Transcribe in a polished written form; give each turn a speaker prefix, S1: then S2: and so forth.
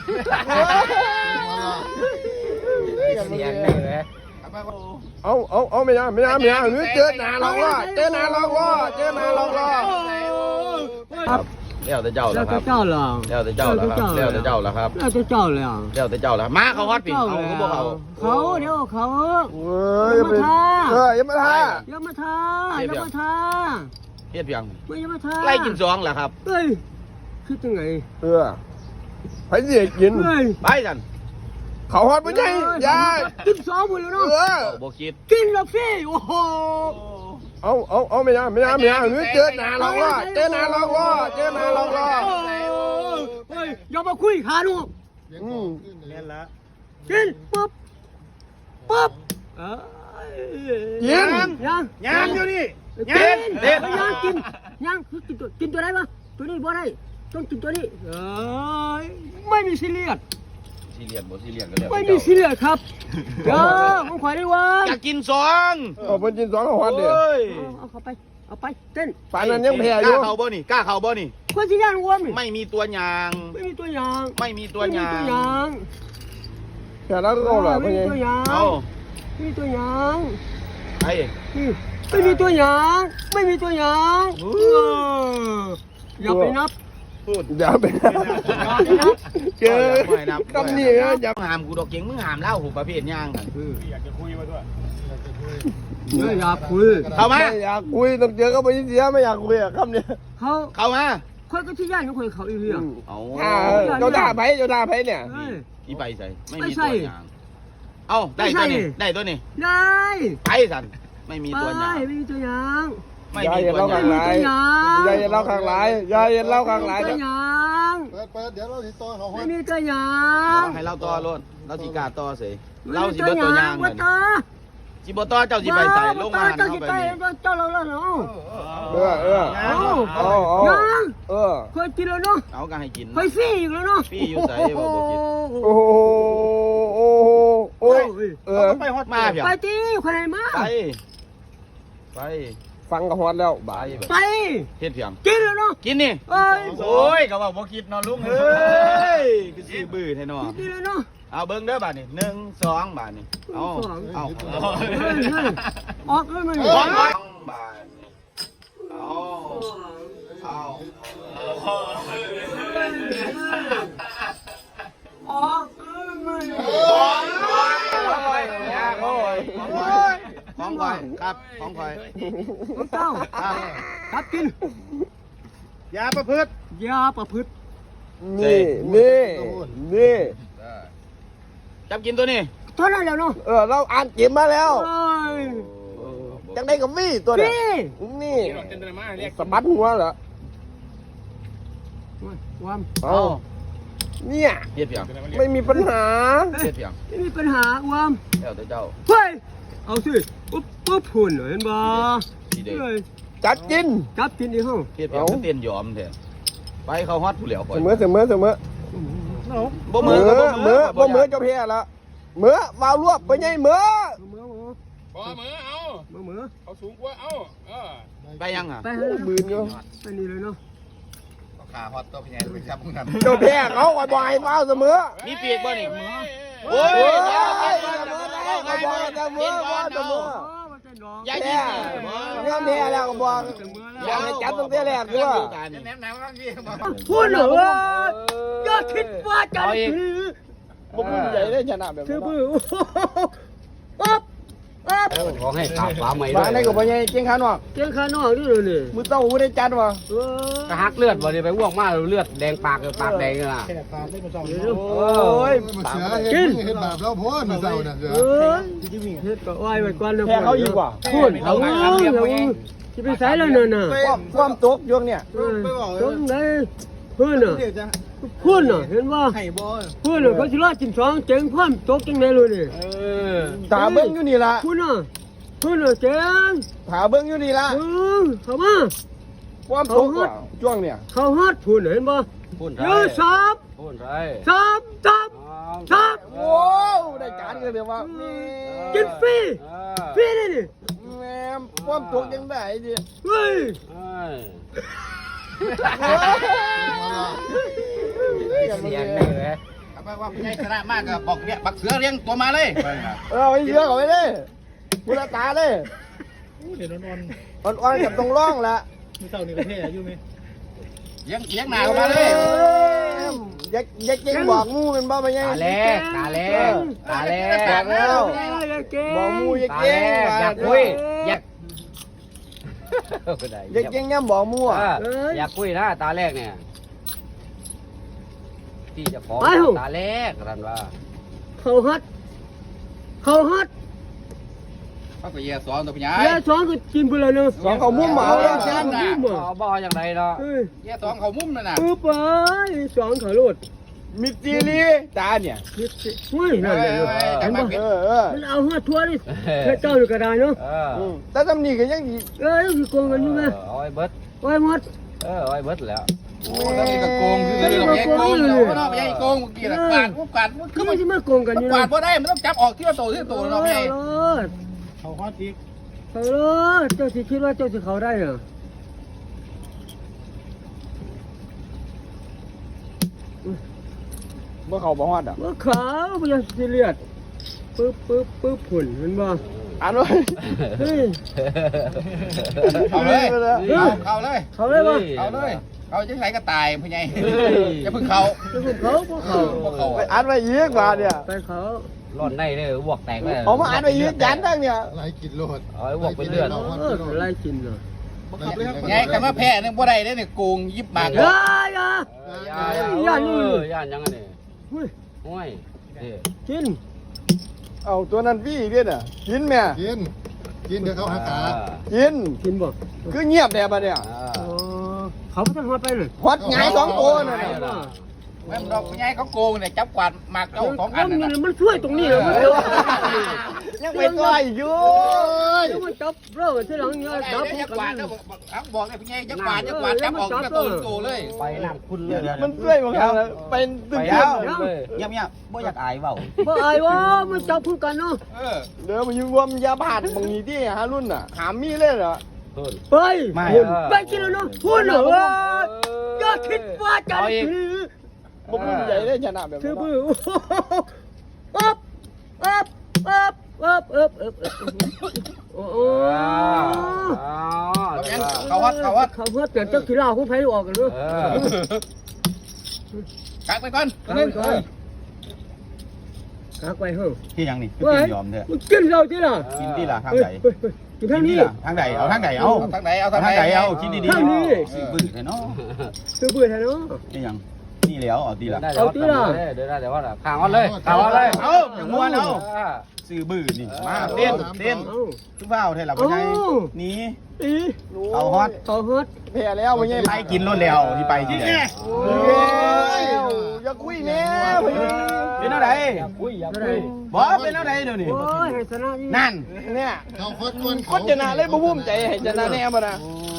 S1: เสียงได้ไหม
S2: เอาไม่ยังหรือเจอหนาลองล่อเจอหนาลองล่อครับเลี้ยวแต่เจ้าแล้วครับเลี้ยวแต่เจ้าแล้วครับเลี้ยวแต่เจ้าแล้วครับเลี้ยวแต่เจ้าแล้วมาเขาฮอตปีเอาเขาบอกเขา
S3: เดี๋ยวเขา
S2: อย่ามาท่า
S3: อย่ามาท่า
S2: เฮ็ดเพียง
S3: ไม่อย่ามาท่า
S2: ไล่กินซองแหละครับ
S3: เฮ้ยคิดยังไง
S2: ไปเสียกินไปกันเขาฮอตไม่ใช่ยา
S3: กินซองหมดแล้วเนาะ
S2: บอกคิด
S3: กินแล้วพี่โอ้โห
S2: เอาไม่ยังหรือเจอหนาลองล่อเ
S3: ฮ้ยอย่ามาคุยขาดู
S1: เล่นละ
S3: กินปุ๊บ
S1: ยังอยู่นี่
S3: ยังกินตัวไหนมาตัวนี้บ่ได้ต้องกินตัวนี้ไม่มีซีเรียสไม่มีซีเรียสครับผมขอได้ว่า
S2: อยากกินซองเป็นกินซองของฮอตเดียว
S3: เอาไปเต้น
S2: ปานนั้นยังแพ้อยู่กล้าเข่าบ่นี่
S3: คนที่ย่างวัว
S2: ไม่มีตัวยางแค่นั้นก็เหรอไม่มีตัวยาง
S3: ไม่มีตัวยาง
S2: ไอ้
S3: ไม่มีตัวยางอย่าไปนับ
S2: อย่าไปเจอกำนี่นะอย่าหามกูดอกเก่งมึงหามเล่าหูประเภทย่าง
S1: อยากจะคุยมาด้วย
S3: อยากคุย
S2: เข้ามาอยากคุยต้องเจอก็ไม่เสียไม่อยากคุยคำนี้
S3: เข้า
S2: มา
S3: คนก็ที่ย่างของคนเขาอีเรื่อง
S2: เจ้าด่าไผเนี่ยอีไปใส่ไม่มีตัวยางได้ตัวนี้
S3: ได้
S2: ไปสันไม่มีตัวยาง
S3: ไม่มีตัวยาง
S2: ไม่มีตัวยางอย่าเล่าข้างหลายเปิดเดี๋ยวเราสิต่อเขา
S3: ไม่มีตัวยาง
S2: ให้เราต่อรถเราสิกาต่อสิเราสิเบิดตัวยางเลยจิบต่อเจ้าสิไปใส่ลงมา
S3: เจ้าสิไปเจ้าเราเนาะเคยกินแล้วเนาะ
S2: เอาก็ให้กิน
S3: เคยฟรีอีกแล้วเนาะ
S2: ฟรีอยู่ใส่บอกกินไปฮอตมาเพีย
S3: ไปตีคนไหนมา
S2: ไปฟังกับฮอตแล้วไปเฮ็ดเพียง
S3: กินแล้วเนาะ
S2: กินนี่โอ้ยก็บอกคิดนอนลุงเฮ้ยคือสิบื้อแท้เนาะ
S3: กินแล้วเนาะ
S2: เอาเบิ้งเด้อบาทนี่1 2บาทนี่เอาออก
S3: เลยมัน
S2: บาทเอาออกของข่อยครับของข่อย
S3: เจ้าครับกิน
S1: ยาประพฤติ
S2: นี่จับกินตัวนี้
S3: เท่านั้นแล้วเนาะ
S2: เราอ่านเก็บมาแล้วจังได้กับมี่ตัวนี้นี่สะบัดหัวเหรอเนี่ยไม่มีปัญหา
S3: ไม่มีปัญหา
S2: เดี๋ยวเจ้า
S3: เฮ้ยเอาสิปุ๊บหุ่นเห็นบ่
S2: จับกิน
S3: ดิเฮา
S2: เตียนยอมแท้ไปเขาฮอตผู้เหลียว
S3: เสมอ
S2: บ่มือเจ้าแพ้ละมือวาวรวบไปไงมือ
S1: เขาสูงกว่า
S2: ไปยังอ่ะ
S3: บืนอยู่ไปนี่เลยเนาะ
S1: ขาฮอตตัวพี่ใหญ่ไปจับมึงทำ
S2: เจ้าแพ้เขาบ่อยว้าวเสมอมีปีกบ่นี่โอ้ยเสมอยายกินเนี่ยแพ้แล้วก็บอกอยากให้จับตั้งแต่แรกด้วย
S3: พูดเหรออย่าคิดว่าจะ
S2: บุกใหญ่ได้ชนะแบบนี้
S1: ขอให้ขาฟ้าใหม่
S2: ด้วยในกับพ่อใหญ่เก่งขานอก
S3: นี่เลยนี่
S2: มือเต้าไม่ได้จัดวะ
S1: กระหักเลือดบ่ได้ไปอ้วกมากเลือดแดงปากแดงอ่ะ
S2: โอ้ย
S3: กิน
S4: เฮ็ดบาปแล้วพ่อมาเศร้าน่ะ
S3: เฮ็ดก็ไหวไว้ก่อน
S2: แพ้เขาอีกว่า
S3: พูดเขาที่ไปใส่แล้วน่ะ
S2: ความตกช่วงเนี่ย
S3: ตรงไหนเพื่อนน่ะเห็นว่าเพื่อนน่ะเขาสิรอดกิน2เจ๋งความตกจังได๋เลยนี่
S2: ตาเบิ่งอยู่นี่ล่ะ
S3: เพื่อนน่ะเจ๋ง
S2: ตาเบิ่งอยู่นี่ล่ะ
S3: เข้ามา
S2: ความตกช่วงเนี่ย
S3: เขาฮอดพูนเห็นบ่เยอะซับ
S2: โอ้ได้การกันเดี๋ยวว่า
S3: กินฟรีได้นี่
S2: แม่ความตกยังได้ดิ
S3: เฮ้ย
S1: เสียงได้ไหม
S2: ว่าผู้ใหญ่ชนะมากก็บอกเนี่ยบักเสือเลี้ยงตัวมาเลย
S4: ไอ้เสือเขาไปเลยบุรตาเลย
S5: เดี๋ยวอ่อน
S4: อ่อนๆกับตรงร่องละ
S5: ๆมือเต่านี่ประเทศอายุไหม
S2: เลี้ยงหนาเข้ามาเลย
S4: ยักเก่งบอกมูเป็นบ้าไปยัง
S1: ตาแรกตาแรกตาแรก
S4: บอกแล้วบอกมูยัก
S1: ตา
S4: เก่
S1: แรง กอยากคุยอยาก
S4: ยักเก่งยังบอกมูอ่ะ
S1: อยากคุยนะตาแรกเนี่ยที่จะขอตาแรกกันว่า
S3: เขาฮัด
S2: เขาก็เยี่ยสอนตัวผู้ใหญ่
S3: เดี๋ยวสองก็กินไปเลยเนาะ
S4: สองเขามุ่มเหมาแล้ว
S3: สองมุม
S1: บ่อย่างไรเนาะ
S2: เยี่ยสอนเขามุ้มนั่นน่ะ
S3: ปึ๊บไปสองเขาโลด
S4: มิจีรีตาเนี่ย
S3: เฮ้ยนั่นเลยเห็นป่ะ มันเอาหัวทั่วนี่แค่เจ้าอยู่ก็ได้เนาะ
S4: แต่ตำหนิก็ยัง
S3: นี่คือโกงกันอยู่ไหม
S1: เอาไอ้เบิร์ด
S3: โอ้ยหมด
S1: เอาไอ้เบิร์ดแล้ว
S2: โอ้แล้วนี่ก็โกงคือเราแย่โกงเนาะเราไม่ใช่โกงเมื่อกี้นะกวาดมัน
S3: คือมันจะมาโกงกันอยู่
S2: กวา
S3: นะ
S2: ดบ่ได้มันต้องจับออกที่ละตัวเราไม่ใช่
S5: เขาฮอตอีก
S3: เขาโลดเจ้าสิคิดว่าเจ้าสิเขาได้เหรอ
S4: เมื่อเขาบอกฮอดอ่ะ
S3: ว่าขาวมันจะซีเรียสปึ๊บผุนเห็นบ่
S4: อ่านไว้
S3: เฮ้ย
S2: เอาเลยเข้าเลย
S3: เขาได้ป่ะ
S2: เอาเลยเขาจังไรก็ตายผู้ใหญ่อย่าพึ่งเขา
S3: จะพวกเขาพวกเขา
S2: เขา
S4: ไปอ่านไว้ยีกว่าเนี่ย
S3: ไปเขา
S1: ร้อนในเลยบวกแตกเลย
S4: เอามาอ่านไว้ยีกยันทั้งเนี่ย
S5: ไล่กินโลด
S1: เอาไอ้บวกเป็นเลือด
S3: ไล่กินเหรอ
S2: ไงแต่มาแพ้เนี่ยบ่ได้เนี่ยโกงยิบมาก
S3: อย่า
S1: ย่านยังไงนี่
S3: เฮ้ย
S1: ห้วยนี่
S3: กิน
S4: เอาตัวนั้นพี่เรียนอ่ะกินแม่
S5: กินเดี๋ยวเขาหาขา
S4: กิน
S3: บ่
S4: คือเงียบแบบเนี่ย
S3: เขาไม่ต้องมาไปเลย
S4: ฮอดไงสองตัวน่ะ
S2: แม่ดอกผู้ใหญ่เขาโกงเนี่ยจับกวาดมากเจ้าของอัน
S3: มันช่วยตรงนี้เลยมัน
S4: ยังไปต่อยอยู่
S3: มันจับเรื่องที่หลังเนี่ยจับ
S2: จับกวาดแล้วบอกเลยผู้ใหญ่จับกวาดจับออกที่ตัวเลย
S1: ไปน้ำคุณเลย
S4: มันช่วยบางครั้งเป็นตึ้ง
S1: เ
S2: เ
S1: งียบ
S2: งียบบ่อยากอายเปล่า
S3: บ่อายว่ามันจับคู่กันเนาะ
S4: เดี๋ยวมันอยู่รวมยาบาดบางทีที่ฮารุ่นอ่ะหามีเลยเหรอ
S3: ไปไปกินแล้วเนาะพูดเหรออย่าคิดว่าจะถือ
S4: บุกใหญ่ได้ชนะแบบ
S3: ถือ
S4: นี้
S3: มืออ๊บโอ้โห
S2: เขาวัด
S3: เขาเพื่อเปลี่ยนเจ้าขี้เหล้าของไผ่ออกกันด้วย
S2: กักไปก่อน
S3: กักไปเฮ้ย
S2: ที่ยังนี่
S3: กินยอมเถอะกินเหล้าที่ล่ะ
S2: กินที่ละทางไหน
S3: กินทางนี้
S2: ทางไหนเอาทางไหนเอาทางไหนเอาทางไหนเอากินดีๆ
S3: ทางนี้
S2: ซื้อบื้อเนาะ
S3: ซื้อเบื่อแท้เนาะ
S2: นี่ยังนี่แล้วเอาดีละ
S1: เดี๋ยวได้แต่ว่าข่าวเลยข่าวเลย
S2: เอาอย่างม้วนเอาซื้อบื้อนี่มาเต้นทุกเบ้าเท่าไหร่พ่อใหญ่นี่ เอาฮอต
S4: แพ้แล้วไม่ใช่
S2: ไปกินรถแล้วที่ไปที่ไหน
S4: อย่าคุยแม่
S2: เป็นอะไร
S1: คุยอย่าคุย
S2: บอกเป็นอะไรเดี๋ยวนี้
S3: โอ้ยชนะนี่
S2: นั่น
S4: เนี่ย
S5: เขาโคตร
S4: คนชนะเลยบุ้มใจให้ชนะแน่มานะ
S2: โอ้